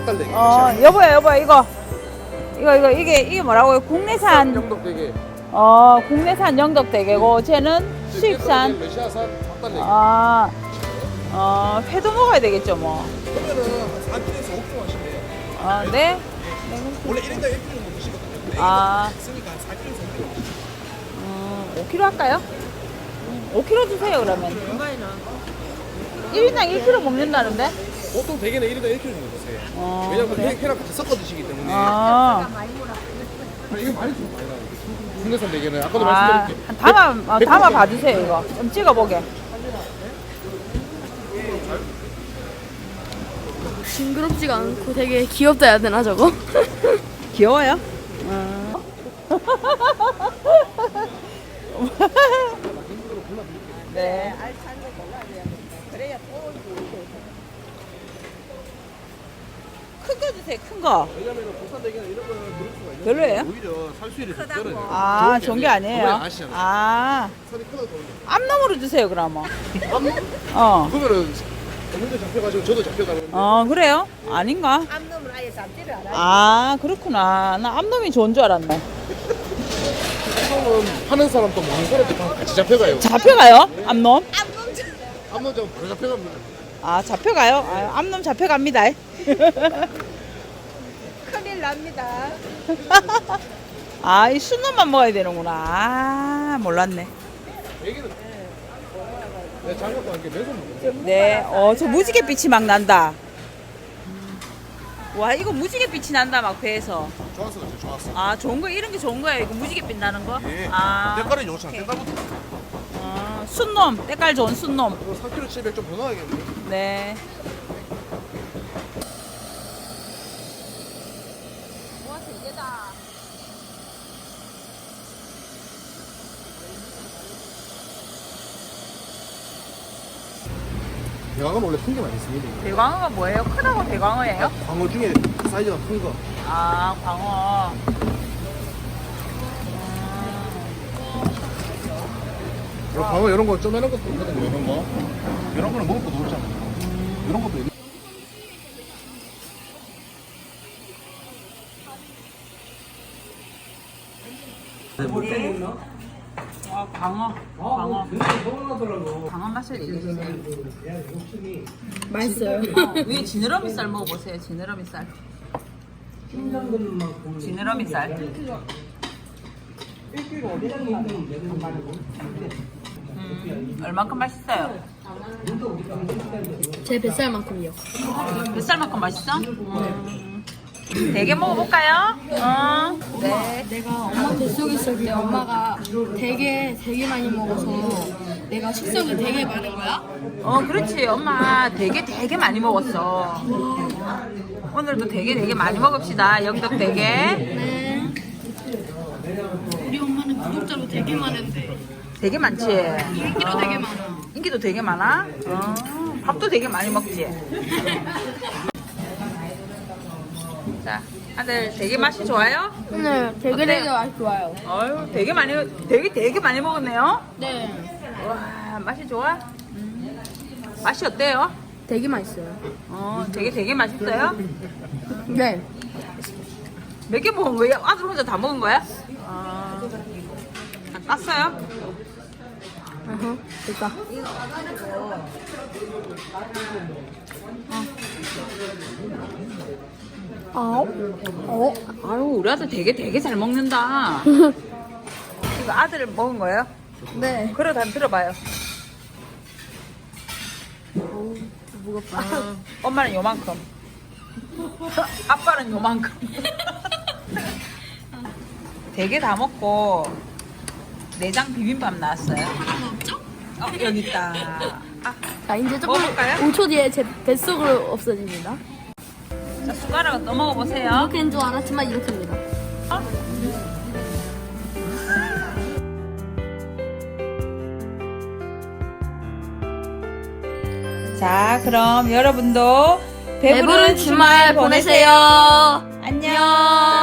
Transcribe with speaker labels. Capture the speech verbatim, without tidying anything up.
Speaker 1: 닭달래기.
Speaker 2: 어, 여보야, 여보야, 이거. 이거, 이거, 이게, 이게 뭐라고요? 국내산.
Speaker 1: 영덕대게.
Speaker 2: 어, 국내산 영덕대게고, 쟤는 수입산.
Speaker 1: 러시아산 닭달래기.
Speaker 2: 아, 어, 회도 먹어야 되겠죠, 뭐.
Speaker 1: 그러면은 한 사 킬로에서 오 킬로 하시네요.
Speaker 2: 아, 네?
Speaker 1: 원래 일 인당 일 킬로 정도 드시거든요. 근데
Speaker 2: 아.
Speaker 1: 이거 쓰니까 한 사 킬로에서 오 킬로.
Speaker 2: 음, 오 킬로그램 할까요? 오 킬로그램 주세요, 그러면. 일 인당 일 킬로그램 먹는다는데?
Speaker 1: 보통 대게는 일 인당 일 킬로 정도 드세요.
Speaker 2: 어,
Speaker 1: 왜냐면
Speaker 2: 그래?
Speaker 1: 회, 회랑 같이 섞어 드시기 때문에.
Speaker 2: 아,
Speaker 1: 아, 이거 많이 좀 많이 나요. 국내산 대게는 아까도
Speaker 2: 아,
Speaker 1: 말씀드렸게.
Speaker 2: 한 담아, 어, 담아 봐주세요, 이거. 좀 찍어보게.
Speaker 3: 징그럽지가 않고 되게 귀엽다 해야 되나 저거?
Speaker 2: 귀여워요? 음. 네. 큰 거 주세요, 큰 거.
Speaker 1: 왜냐면 국산 대게는 이런 거는 그럴 수가 있는데
Speaker 2: 별로예요?
Speaker 1: 오히려 살수율이 더 떨어져요.
Speaker 2: 아, 좋은 게 아니에요.
Speaker 1: 아시잖아요.
Speaker 2: 아,
Speaker 1: 살이 크다 더.
Speaker 2: 앞놈으로 주세요, 그러면. 어.
Speaker 1: 그러면은 어머니도 잡혀가지고 저도 잡혀가는데.
Speaker 2: 어, 그래요? 아닌가?
Speaker 4: 암놈을 아예 잡지를 않아요.
Speaker 2: 아, 그렇구나. 나 앞놈이 좋은 줄 알았네.
Speaker 1: 보통은 파는 사람도 먹는 사람도 다 같이 잡혀가요.
Speaker 2: 잡혀가요? 앞놈?
Speaker 1: 한번 좀 바로 잡혀갑니다.
Speaker 2: 아, 잡혀가요? 아, 앞놈 잡혀갑니다.
Speaker 4: 큰일 납니다.
Speaker 2: 아, 이 순놈만 먹어야 되는구나. 아, 몰랐네.
Speaker 1: 얘기는 내 장갑도 함께 맨손 먹어요.
Speaker 2: 네, 어, 저 무지개 빛이 막 난다. 와, 이거 무지개 빛이 난다, 막 배에서.
Speaker 1: 좋았어, 진짜 좋았어.
Speaker 2: 아, 좋은 거, 이런 게 좋은 거예요. 이거 무지개 빛 나는 거?
Speaker 1: 예.
Speaker 2: 아,
Speaker 1: 때깔은 좋잖아. 때깔부터.
Speaker 2: 어, 순놈, 때깔 좋은 순놈.
Speaker 1: 이거 삼 킬로그램 칠백 좀 더 넣어야겠네.
Speaker 2: 네. 와, 되게다.
Speaker 1: 대왕은 원래 큰 게 많이 있습니다.
Speaker 2: 대광어가 뭐예요? 크다고 대광어예요?
Speaker 1: 광어 중에 사이즈가 큰 거.
Speaker 2: 아, 광어.
Speaker 1: 이거 광어 이런 거 쪼매는 것도 있거든요. 이런 거. 이런 거는 먹을 것도 없잖아요. 이런 것도 있-
Speaker 2: 아, 광어. 광어. 광어 맛을 얘기해주세요.
Speaker 3: 맛있어요.
Speaker 2: 위에 지느러미 살 먹어보세요. 지느러미 살. 지느러미 살. 음, 얼만큼 맛있어요?
Speaker 3: 제 뱃살만큼요.
Speaker 2: 몇 살만큼 맛있어? 음. 되게 먹어볼까요? 어. 네.
Speaker 3: 내가 엄마 뱃속에 있을 때 엄마가 되게 되게 많이 먹어서 내가 식성이 되게 많은 거야.
Speaker 2: 어, 그렇지. 엄마 되게 되게 많이 먹었어. 오늘도 되게 되게 많이 먹읍시다. 영덕 되게.
Speaker 3: 네. 우리 엄마는 구독자로 되게 많은데
Speaker 2: 되게 많지?
Speaker 3: 인기도 되게 많아.
Speaker 2: 인기도 되게 많아? 어, 밥도 되게 많이 먹지? 자, 아들 되게 맛이 좋아요?
Speaker 3: 네, 되게
Speaker 2: 어때요?
Speaker 3: 되게 맛이 좋아요.
Speaker 2: 어유 되게 많이, 되게 되게 많이 먹었네요?
Speaker 3: 네,
Speaker 2: 와, 맛이 좋아? 음. 맛이 어때요?
Speaker 3: 되게 맛있어요.
Speaker 2: 어, 되게 되게 맛있어요?
Speaker 3: 네.
Speaker 2: 몇 개 먹은 거예요? 아들 혼자 다 먹은 거야? 아, 다 땄어요?
Speaker 3: 어허, 됐다. 어? 어?
Speaker 2: 아유, 우리 아들 되게 되게 잘 먹는다. 이거 아들 먹은 거예요?
Speaker 3: 네.
Speaker 2: 그래, 다 들어봐요.
Speaker 3: 오, 무겁다.
Speaker 2: 엄마는 요만큼. 아빠는 요만큼. 되게 다 먹고 내장 비빔밥 나왔어요. 어, 여기 있다. 아,
Speaker 3: 자, 이제 조금
Speaker 2: 먹어볼까요?
Speaker 3: 오 초 뒤에 제 뱃속으로 없어집니다.
Speaker 2: 자, 숟가락을 또 먹어보세요.
Speaker 3: 이렇게인 줄 알았지만 이렇게입니다.
Speaker 2: 어? 자, 그럼 여러분도 배부른,
Speaker 3: 배부른 주말 보내세요.
Speaker 2: 안녕.